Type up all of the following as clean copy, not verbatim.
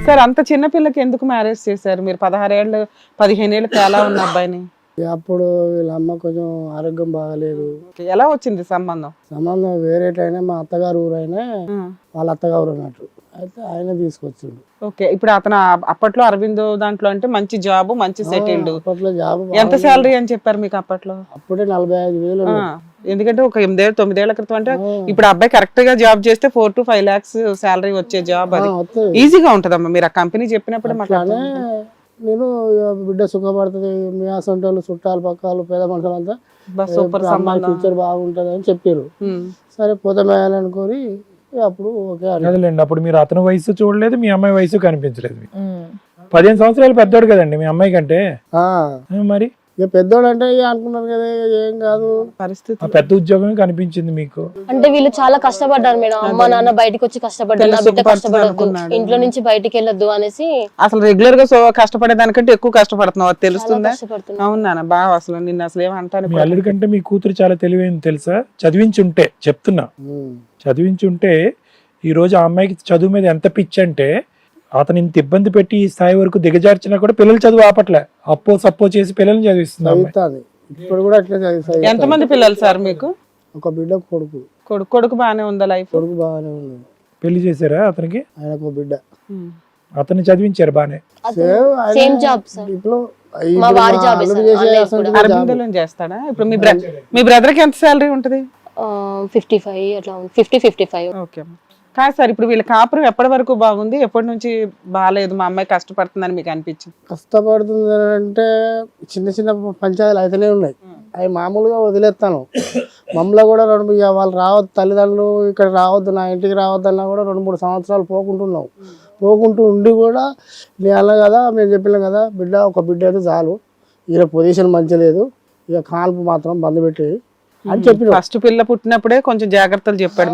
Sir అంత చిన్న పిల్లకి ఎందుకు మ్యారేజ్ చేశారు మీరు? 16 ఏళ్ళు 15 ఏళ్ళు ఎలా ఉన్న అబ్బాయిని? అప్పుడు వీళ్ళ అమ్మ కొంచెం ఆరోగ్యం బాగాలేదు. ఎలా వచ్చింది సంబంధం? సంబంధం వేరేటైనా మా అత్తగారు ఊరైనా వాళ్ళ అత్తగారు అన్నట్టు అయితే ఆయన తీసుకొచ్చిండు. ఓకే, ఇప్పుడు అతను అప్పట్లో అరవిందో దాంట్లో అంటే మంచి జాబ్, మంచి సెటిల్డ్. అప్పట్లో జాబ్ ఎంత శాలరీ అని చెప్పారు మీకు అప్పట్లో? అప్పుడే 45,000. ఎందుకంటే ఒక 8-9 ఏళ్ల క్రితం అంటే ఇప్పుడు అబ్బాయి కరెక్ట్ గా జాబ్ చేస్తే 4 to 5 lakhs శాలరీ వచ్చే జాబ్. అది ఈజీగా ఉంటదమ్మా. మీరు ఆ కంపెనీ చెప్పినప్పుడు అట్లానే నేను బిడ్డ సుఖపడుతుంది, మీ అసంటోళ్ళు చుట్టాలు పక్కలు పేద మనుషులంతా సూపర్ ఫ్యూచర్ బాగుంటది అని చెప్పారు. సరే పోతామేయాలనుకొని అప్పుడు ఓకే అదేలేండి. అప్పుడు మీరు అతని వయసు చూడలేదు, మీ అమ్మాయి వయసు కనిపించలేదు. 15 సంవత్సరాలు పెద్దోడు కదండి మీ అమ్మాయి కంటే. మరి ఇక పెద్దోడు అంటే అనుకున్నారు కదా ఏం కాదు పరిస్థితి. పెద్ద ఉద్యోగం కనిపించింది మీకు. అంటే వీళ్ళు చాలా కష్టపడ్డారు మేడం. అమ్మ నాన్న బయటకు వచ్చి కష్టపడ్డారు, నా బిడ్డ కష్టపడద్దు, ఇంట్లో నుంచి బయటికి వెళ్ళొద్దు అనేసి. అసలు రెగ్యులర్ గా పకష్టపడే దానికంటే ఎక్కువ కష్టపడుతున్నావు, అది తెలుస్తుందా? అవునా బాగా. అసలు నిన్న అసలు ఏమంటాను, మీ అల్లుడి కంటే మీ కూతురు చాలా తెలివైంది తెలుసా. చదివించుంటే చెప్తున్నా, చదివించుంటే ఈ రోజు ఆ అమ్మాయికి చదువు మీద ఎంత పిచ్చి అంటే అతను ఇంత ఇబ్బంది పెట్టి ఈ స్థాయి వరకు దిగజార్చినా కూడా పిల్లలు చదువు ఆపట్లే, అప్పో సప్పో చేసి పిల్లల్ని చదివిస్తుంది. ఇప్పుడు కూడా అట్లా చదివిస్తాయి. ఎంతమంది పిల్లలు సార్ మీకు? ఒక బిడ్డ కొడుకు. కొడుకు బాగానే ఉందా లైఫ్? కొడుకు బాగానే ఉంది. పెళ్లి చేశారా అతనికి? ఆయనకు బిడ్డ. అతన్ని చదివించారు బానే. Same job sir. ఇప్పుడు అరవిందలో చేస్తాడా? ఇప్పుడు మీ బ్రదర్ కి ఎంత శాలరీ ఉంటది? 55 అట్లా 50-55. ఓకే. కాదు సార్, ఇప్పుడు వీళ్ళ కాపురం ఎప్పటి వరకు బాగుంది, ఎప్పటి నుంచి బాగాలేదు, మా అమ్మాయి కష్టపడుతుందని మీకు అనిపించింది? కష్టపడుతుంది అంటే చిన్న చిన్న పంచాయతీలు అయితేనే ఉన్నాయి, అవి మామూలుగా వదిలేస్తాను. మమ్మల్ని కూడా వాళ్ళు రావద్దు, తల్లిదండ్రులు ఇక్కడ రావద్దు, నా ఇంటికి రావద్దన్నా కూడా 2-3 సంవత్సరాలు పోకుంటున్నాం. పోకుంటూ ఉండి కూడా నేను అన్నా కదా, మేము చెప్పినాం కదా, ఒక బిడ్డ అయితే చాలు, ఈయన పొజిషన్ మంచి లేదు, ఇక కాల్పు మాత్రం బంద్ పెట్టి అని చెప్పి. ఫస్ట్ పిల్ల పుట్టినప్పుడే కొంచెం జాగ్రత్తలు చెప్పాడు.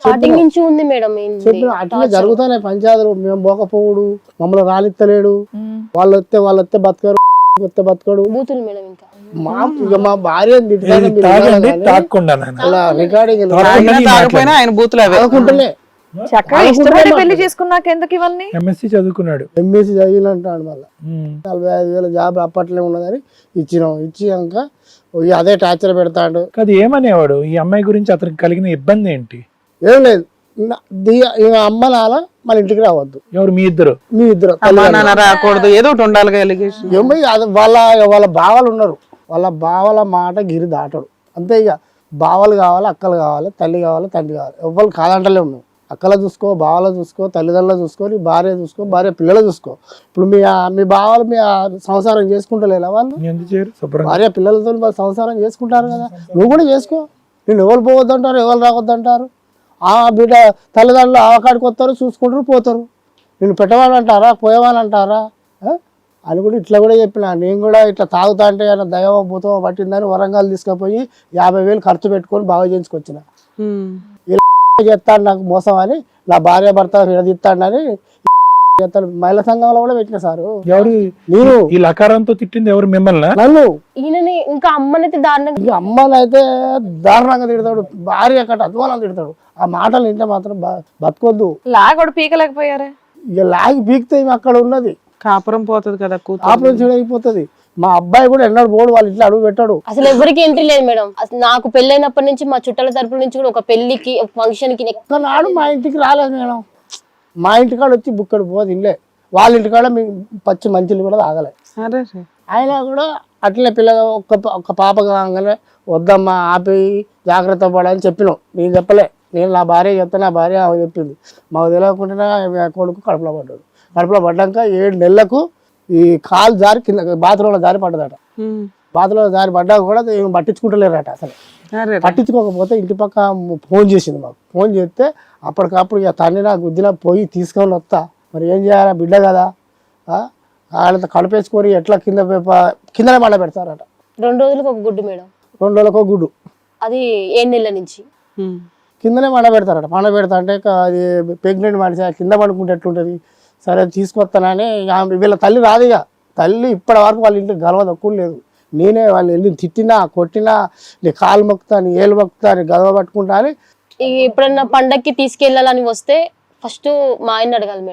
అట్లా జరుగుతానే పంచాయతీలు. మేము పోకపోవుడు, మమ్మల్ని రానిత్తలేడు, వాళ్ళు వస్తే బతకరు, వస్తే బతకడు. మా భార్య ఆయన బూతులు అనుకుంటలే. పెళ్లి చేసుకున్నాక ఎందుకు ఇవన్నీ? ఎంఎస్సీ చదువుకున్నాడు. ఎంఎస్సీ చదివినంటాడు. మళ్ళీ 45,000 జాబ్ అప్పట్లో ఉన్నదని ఇచ్చినాక అదే టార్చర్ పెడతాడు. అది ఏమనేవాడు? ఈ అమ్మాయి గురించి అతనికి కలిగిన ఇబ్బంది ఏంటి? ఏం లేదు, అమ్మ నాన్న మన ఇంటికి రావద్దు. ఎవరు? మీ ఇద్దరు రాకూడదు, ఏదో ఒకటి ఉండాలి. వాళ్ళ బావలు ఉన్నారు, వాళ్ళ బావల మాట గిరి దాటడు అంతే. ఇక బావలు కావాలి, అక్కలు కావాలి, తల్లి కావాలి, తండ్రి కావాలి, ఎవ్వరు కాదంటలే ఉన్నావు. అక్కల చూసుకో, బావల చూసుకో, తల్లిదండ్రులు చూసుకో, నీ భార్య చూసుకో, భార్య పిల్లలు చూసుకో. ఇప్పుడు మీ బావలు మీ సంసారం చేసుకుంటలేదా? వాళ్ళు భార్య పిల్లలతో సంసారం చేసుకుంటారు కదా, నువ్వు కూడా చేసుకో. నేను ఎవరు పోవద్దంటారు, ఎవరు రావద్దంటారు? ఆ బిడ్డ తల్లిదండ్రులు ఆవకాడికి వస్తారు, చూసుకుంటారు, పోతారు. నేను పెట్టవాలంటారా, పోయేవాళ్ళంటారా అని కూడా ఇట్లా కూడా చెప్పిన. నేను కూడా ఇట్లా తాగుతా అంటే దైవ భూతం పట్టిందని వరంగల్ తీసుకుపోయి 50,000 ఖర్చు పెట్టుకొని బాగా చేయించుకొచ్చిన. చేస్తాడు నాకు మోసం అని, నా భార్య భర్త విడదీస్తాడని చేస్తాడు. మహిళా సంఘంలో కూడా పెట్టిన సారు. ఎవరు? నేను. ఈ లకారంతో తిట్టింది ఎవరు? మిమ్మల్ని? నన్ను. ఇంకా అమ్మనైతే దారుణంగా, అమ్మని అయితే దారుణంగా తిడతాడు, భార్య అక్కడ అధ్వానం తిడతాడు. ఆ మాటలు వింటే మాత్రం బతకొద్దు. లాగోడు పీకలేకపోయారే? ఇక లాగి పీకితే అక్కడ ఉన్నది కాపురం పోతుంది కదా, కాపురం చెడైపోతుంది. మా అబ్బాయి కూడా ఎన్నడూ పోడు, వాళ్ళ ఇంట్లో అడుగు పెట్టాడు. అసలు ఎవరికి ఎంట్రీ లేదు మేడం. నాకు పెళ్ళైనప్పటి నుంచి మా చుట్టాల తరపు నుంచి కూడా ఒక పెళ్లికి, ఒక ఫంక్షన్ కి నాడు మా ఇంటికి రాలేదు మేడం. మా ఇంటికాడ వచ్చి బుక్కడు పోదు ఇల్లే, వాళ్ళ ఇంటికాడ పచ్చి మంచిలు కూడా తాగలే. ఆయన కూడా అట్లనే పిల్లగా ఒక్క పాప కాగానే వద్దమ్మా ఆపి జాగ్రత్త పడాలని చెప్పినాం. నేను చెప్పలే, నేను నా భార్య చెప్తే నా భార్య చెప్పింది. మాకు తెలియకుండా కొడుకు కడుపులో పడ్డాడు. కడుపులో పడ్డాక 7 నెలలకు ఈ కాలు జారి కింద బాత్రూంలో జారి పడ్డదట. బాత్రూంలో జారి పడ్డాక కూడా ఏం పట్టించుకుంటలేరట. అసలు పట్టించుకోకపోతే ఇంటి పక్క ఫోన్ చేసింది మాకు. ఫోన్ చేస్తే అప్పటికప్పుడు ఇక తండ్రినా గుద్దినా పోయి తీసుకొని వస్తా, మరి ఏం చేయాలా, బిడ్డ కదా, వాళ్ళతో కడుపేసుకొని ఎట్లా కిందనే మండ పెడతారట. 2 రోజులకు ఒక గుడ్డు మేడం. 2 రోజులకు ఒక గుడ్డు, అది 7 నెలల నుంచి కిందనే మండ పెడతారట. మండ పెడతా అంటే అది ప్రెగ్నెంట్ మనిషి కింద పడుకుంటే ఎట్లుంటుంది. సరే తీసుకొస్తానని వీళ్ళ తల్లి రాదు. ఇక తల్లి ఇప్పటి వరకు వాళ్ళ ఇంటికి గలవ తక్కువ లేదు. నేనే వాళ్ళు వెళ్ళి తిట్టినా కొట్టినా, నీ కాలు మొక్కుతా, నీ ఏళ్ళు మొక్కుతా, నీ గలవ పట్టుకుంటా అని. ఎప్పుడన్నా పండక్కి తీసుకెళ్ళాలని వస్తే ఫస్ట్ మా ఆయన అడగాలి మేడం.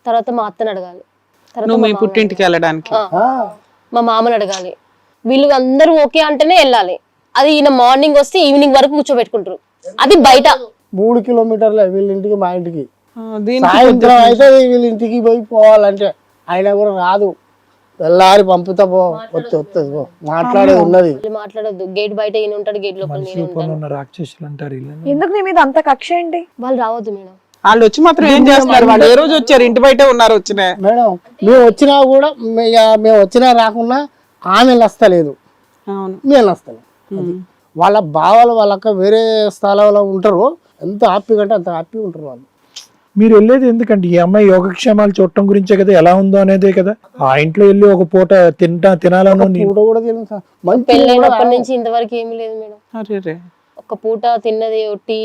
తర్వాత మా అత్తని అడగాలి, తర్వాత నువ్వు మా మీ మామని పుట్టింటికి వెళ్ళడానికి అడగాలి. మా మామని అడగాలి. వీళ్ళు అందరూ ఓకే అంటేనే వెళ్ళాలి. అది ఈయన మార్నింగ్ వస్తే ఈవినింగ్ వరకు కూర్చోబెట్టుకుంటారు. అది బయట 3 కిలోమీటర్లే వీళ్ళ ఇంటికి మా ఇంటికి. దీనికి సాయంత్రం అయితే వీళ్ళ ఇంటికి పోయి పోవాలంటే ఆయన కూడా రాదు, వెళ్ళాలి పంపుతా పో వస్తుంది పో మాట్లాడేది ఉన్నది. వీళ్ళు మాట్లాడొద్దు. గేట్ బయట ఈయన ఉంటాడు, గేట్ లోపల నేను ఉంటాను. ఉన్న రాక్షసులు అంటారు వీళ్ళని. ఎందుకు నీ మీద అంత కక్ష ఏంటి? వాళ్ళు రావద్దు మేడం. వాళ్ళు వచ్చి మాత్రం ఏం చేస్తున్నారు? వాళ్ళు ఏ రోజు వచ్చారు? ఇంటి బయట ఉన్నారు వచ్చిన మేడం మేము వచ్చినా కూడా మేము వచ్చినా రాకున్నా ఆమె వస్తలేదు, అవును. మేము వస్తలేదు. వాళ్ళ బావలు వాళ్ళక్క వేరే స్థలంలో ఉంటారు, ఎంత హ్యాపీగా అంటే అంత హ్యాపీగా ఉంటారు వాళ్ళు. మీరు వెళ్ళేది ఎందుకంటే ఈ అమ్మాయి యోగక్షేమాలు చూడటం గురించే కదా, ఎలా ఉందో అనేదే కదా. ఆ ఇంట్లో వెళ్ళి ఒక పూట తినాలను పూట కూడా తినను సార్. మంచి పెళ్ళైనప్పటి నుంచి ఇంతవరకు ఏమీ లేదు మేడం. అరే ఒక పూట తిన్నది టీ,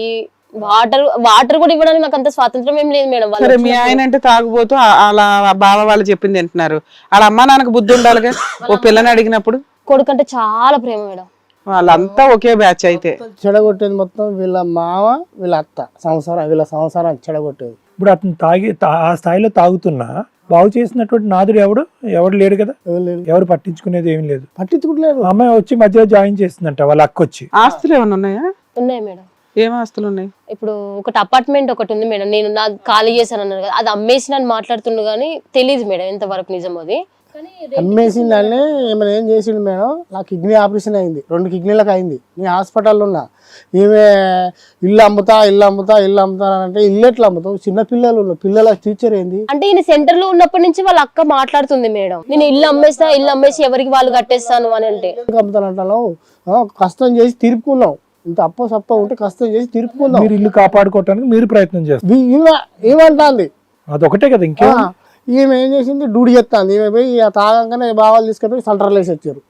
వాటర్ కూడా ఇవ్వడానికి నాకు అంత స్వాతంత్రం ఏం లేదు మేడం. సరే, మీ ఆయన అంటే తాగుబోతూ అలా బావ వాళ్ళు చెప్పింది తింటున్నారు. వాళ్ళ అమ్మా నాన్నకు బుద్ధి ఉండాలిగా ఓ పిల్లని అడిగినప్పుడు. కొడుకు అంటే చాలా ప్రేమ మేడం. వాళ్ళంతా ఒకే బ్యాచ్ అయితే. చెడగొట్టేది మొత్తం వీళ్ళ మామ వీళ్ళ అత్త వీళ్ళ సంసారం చెడగొట్టేది. ఇప్పుడు అతను ఆ స్థాయిలో తాగుతున్నా బాగు చేసినటువంటి నాదుడు ఎవడు లేడు కదా, ఎవరు పట్టించుకునేది ఏం లేదు. పట్టించుకుంటలేరు. అమ్మాయి వచ్చి మధ్యలో జాయిన్ చేస్తుందంట వాళ్ళ అక్క వచ్చి. ఆస్తులు ఏమైనా ఉన్నాయా? ఉన్నాయి మేడం. ఏం ఆస్తులు ఉన్నాయి? ఇప్పుడు ఒకటి అపార్ట్మెంట్ ఒకటి ఉంది మేడం. నేను నా ఖాళీ చేశాను అన్నారు కదా, అది అమ్మేసి నన్ను మాట్లాడుతుండు కానీ తెలియదు మేడం ఎంతవరకు నిజం అది. అమ్మేసిందని ఏమైనా ఏం చేసిండు మేడం, నా కిడ్నీ ఆపరేషన్ అయింది, 2 కిడ్నీలకు అయింది. నేను హాస్పిటల్లో ఉన్నా. ఈమె ఇల్లు అమ్ముతా అంటే ఇల్లు ఎట్లా అమ్ముతావు? చిన్న పిల్లల టీచర్ ఏంది అంటే ఈయన సెంటర్ లో ఉన్నప్పటి నుంచి వాళ్ళ అక్క మాట్లాడుతుంది మేడం, నేను ఇల్లు అమ్మేసి ఎవరికి వాళ్ళు కట్టేస్తాను అని. అంటే అమ్ముతానంటాను, కష్టం చేసి తిరుపుకున్నాం. ఇంత అప్ప ఉంటే కష్టం చేసి తిరుపుకుందాం. మీరు ఇల్లు కాపాడుకోవటానికి మీరు ప్రయత్నం చేస్తారు. ఏమంటాంది అదొకటే కదా. ఇంకే ఈమె ఏం చేసింది, డ్యూటీ చెప్తాంది. ఈమె పోయి తాగంగానే బావాలు తీసుకొని సెంటర్లో వేసి వచ్చారు.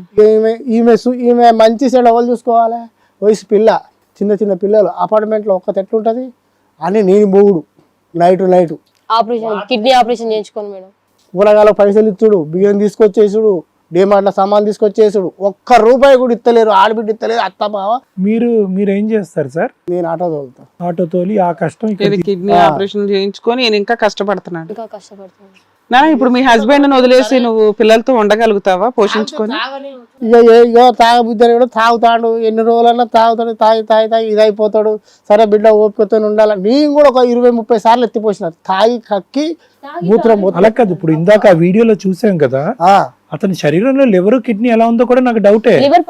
ఈమె మంచి సైడ్ ఎవరు చూసుకోవాలి? వయసు పిల్ల, చిన్న పిల్లలు అపార్ట్మెంట్లో ఒక్క ఎట్లుంటది అని నేను బోగుడు నైట్ ఆపరేషన్, కిడ్నీ ఆపరేషన్ చేయించుకోను మేడం. కూరగాయల పైసలు ఇచ్చుడు, బియ్యం తీసుకొచ్చేసుడు, డిమార్ట్ల సామాన్ తీసుకొచ్చేసుడు. ₹1 కూడా ఇస్తలేరు, ఆడబిడ్డ ఇస్తలేదు, అత్త బావ. మీరు ఏం చేస్తారు సార్? నేను ఆటో తోలుతా. ఆటో తోలి ఆ కష్టం కిడ్నీ ఆపరేషన్ చేయించుకొని నేను ఇంకా కష్టపడుతున్నాడు. ఇంకా కష్టపడుతున్నాను. ఇప్పుడు మీ హస్బెండ్ వదిలేసి నువ్వు పిల్లలతో ఉండగలుగుతావా పోషించుకొని? ఇక తాగబుద్ధి కూడా తాగుతాడు, ఎన్ని రోజులన్నా తాగుతాడు, తాగి ఇది అయిపోతాడు. సరే బిడ్డ ఓపికతో ఉండాలి. నేను కూడా ఒక 20-30 సార్లు ఎత్తిపోసిన, తాగి కక్కి మూత్రం. అలా కాదు, ఇప్పుడు ఇందాక ఆ వీడియోలో చూసాం కదా, అతని శరీరంలో లివర్ కిడ్నీ ఎలా ఉందో కూడా నాకు డౌటే. లివర్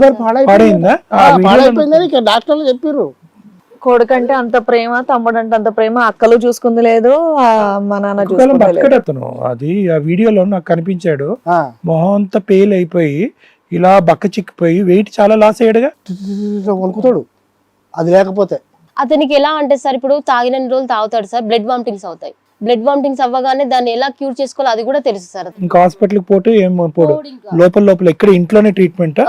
పాడైపోయిందని డాక్టర్లు చెప్పారు. కొడుకంటే అంత ప్రేమ, తమ్ముడంటే అంత ప్రేమ, అక్కలు చూసుకుంది లేదు, మా నాన్న చూసుకుంది. అతను అది ఆ వీడియోలో నాకు కనిపించాడు, మొహం అంతా పేల్ అయిపోయి ఇలా బక్క చిక్కిపోయి వెయిట్ చాలా లాస్ అయ్యాడుగా, వణుకుతాడు అది లేకపోతే. అతనికి ఎలా అంటే సార్, ఇప్పుడు తాగిన రోజులు తాగుతాడు సార్, బ్లడ్ వామిటింగ్స్ అవుతాయి. బ్లడ్ వామిటింగ్స్ అవ్వగానే దాన్ని ఎలా క్యూర్ చేసుకోవాలో అది కూడా తెలుసు సార్. ఇంకా హాస్పిటల్ పోటు ఏం పోడు, లోపల ఎక్కడ ఇంట్లోనే ట్రీట్మెంట్.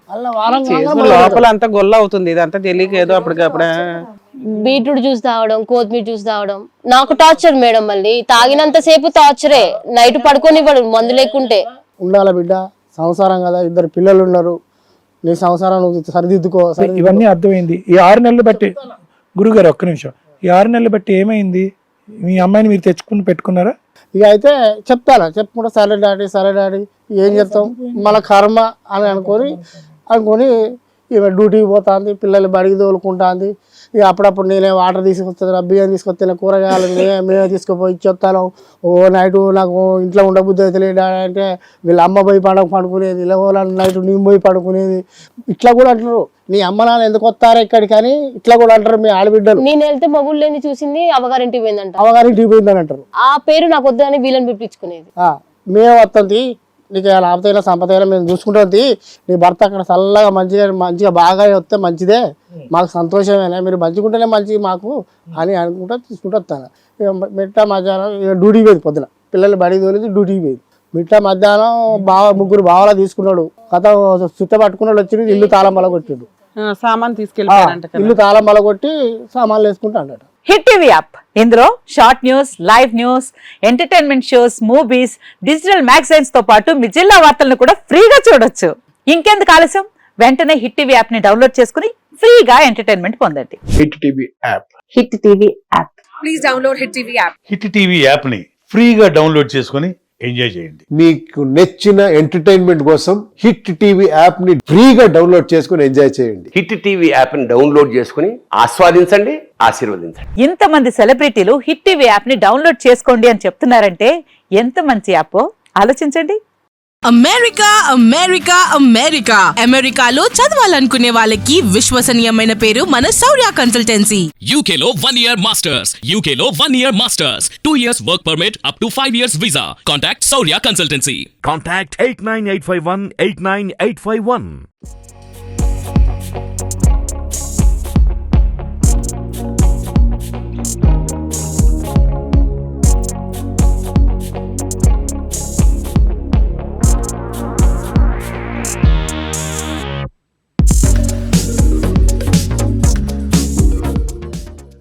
లోపల అంతా గొల్ల అవుతుంది, ఇదంతా తెలియక ఏదో అప్పటికప్పుడు. బీట్రూట్ జ్యూస్ తాగడం, కొత్తిమీర జ్యూస్ తాగడం నాకు టార్చర్ మేడం. మళ్ళీ తాగినంత సేపు టార్చరే, నైట్ పడుకోనివ్వడు మందు లేకుంటే. ఉండాల బిడ్డ, సంసారం కదా, 2 పిల్లలు ఉన్నారు, నీ సంసారం నువ్వు సరిదిద్దుకో. ఇవన్నీ అర్థమైంది. ఈ 6 నెలలు బట్టి గురుగారు ఒక్క నిమిషం, ఈ 6 నెలలు బట్టి ఏమైంది? మీ అమ్మాయిని మీరు తెచ్చుకుని పెట్టుకున్నారా? ఇక అయితే చెప్పుకుంటా సరే డాడీ ఏం చెప్తాం, మన కర్మ అని అనుకొని ఇక డ్యూటీకి పోతుంది, పిల్లలు బడికి తోలుకుంటుంది. ఇక అప్పుడప్పుడు నేనే వాటర్ తీసుకొస్తాను, బియ్యం తీసుకొస్తాను, కూరగాయలు మేమే తీసుకుపోయి ఇచ్చేస్తాను. నైట్ నాకు ఇంట్లో ఉండబుద్ధి అయితే అంటే వీళ్ళ అమ్మ పోయి పడుకునేది, ఇలా నైట్ నేను పోయి పడుకునేది. ఇట్లా కూడా అంటారు, నీ అమ్మ నాన్న ఎందుకు వస్తారా ఇక్కడికి అని ఇట్లా కూడా అంటారు మీ ఆడబిడ్డలు. నేను వెళ్తే మా ఊళ్ళో చూసింది అవగారింటికి పోయిందంట, అవగారింటికి పోయిందని అంటారు. ఆ పేరు నాకు వద్దని వీళ్ళని పిలిపించుకునేది. మేము వస్తుంది, నీకు లాభతైనా సంపదైనా మేము చూసుకుంటుంది, నీ భర్త అక్కడ చల్లగా మంచిగా బాగా వస్తే మంచిదే, మాకు సంతోషమేనా, మీరు మంచిగుంటేనే మంచిది మాకు అని అనుకుంటా తీసుకుంటూ వస్తాను. మిట్ట మధ్యాహ్నం డ్యూటీకి పోయింది, పొద్దున పిల్లలు బడికి తోలేది డ్యూటీకి పోయింది. మిట్ట మధ్యాహ్నం 3 బావలా తీసుకున్నాడు, కథ చుట్ట పట్టుకున్నాడు, వచ్చి ఇల్లు తాళం బలగొట్టిండు, సామాన్ తీసుకెళ్ళి ఇల్లు తాళం బలగొట్టి సామాన్లు వేసుకుంటా అన్నాడు. హిట్ టీవీ యాప్, ఇందులో short news, live news, entertainment shows, movies, digital magazines తో పాటు మీ జిల్లా వార్తలను కూడా ఫ్రీగా చూడొచ్చు. ఇంకెందుకు ఆలస్యం, వెంటనే హిట్ టీవీ యాప్ ని డౌన్లోడ్ చేసుకుని ఫ్రీగా ఎంటర్టైన్మెంట్ పొందండి. Hit TV app. Hit TV app. Please download Hit TV app. Hit TV app ని ఫ్రీగా డౌన్లోడ్ చేసుకొని ఎంజాయ్ చేయండి. మీకు నచ్చిన ఎంటర్టైన్మెంట్ కోసం హిట్ టీవీ యాప్ ని ఫ్రీగా డౌన్లోడ్ చేసుకుని ఎంజాయ్ చేయండి. హిట్ టీవీ యాప్ ని డౌన్లోడ్ చేసుకుని ఆస్వాదించండి, ఆశీర్వదించండి. ఇంతమంది సెలబ్రిటీలు హిట్ టీవీ యాప్ ని డౌన్లోడ్ చేసుకోండి అని చెప్తున్నారంటే ఎంత మంచి యాప్ ఆలోచించండి. అమెరికా అమెరికా అమెరికా అమెరికాలో చదవాలనుకునే వాళ్ళకి విశ్వసనీయమైన పేరు మన శౌర్య కన్సల్టెన్సీ. UK లో 1 year masters, UK లో 1 year masters, 2 years work permit up to 5 years visa. Contact Saurya Consultancy. Contact 89851 89851.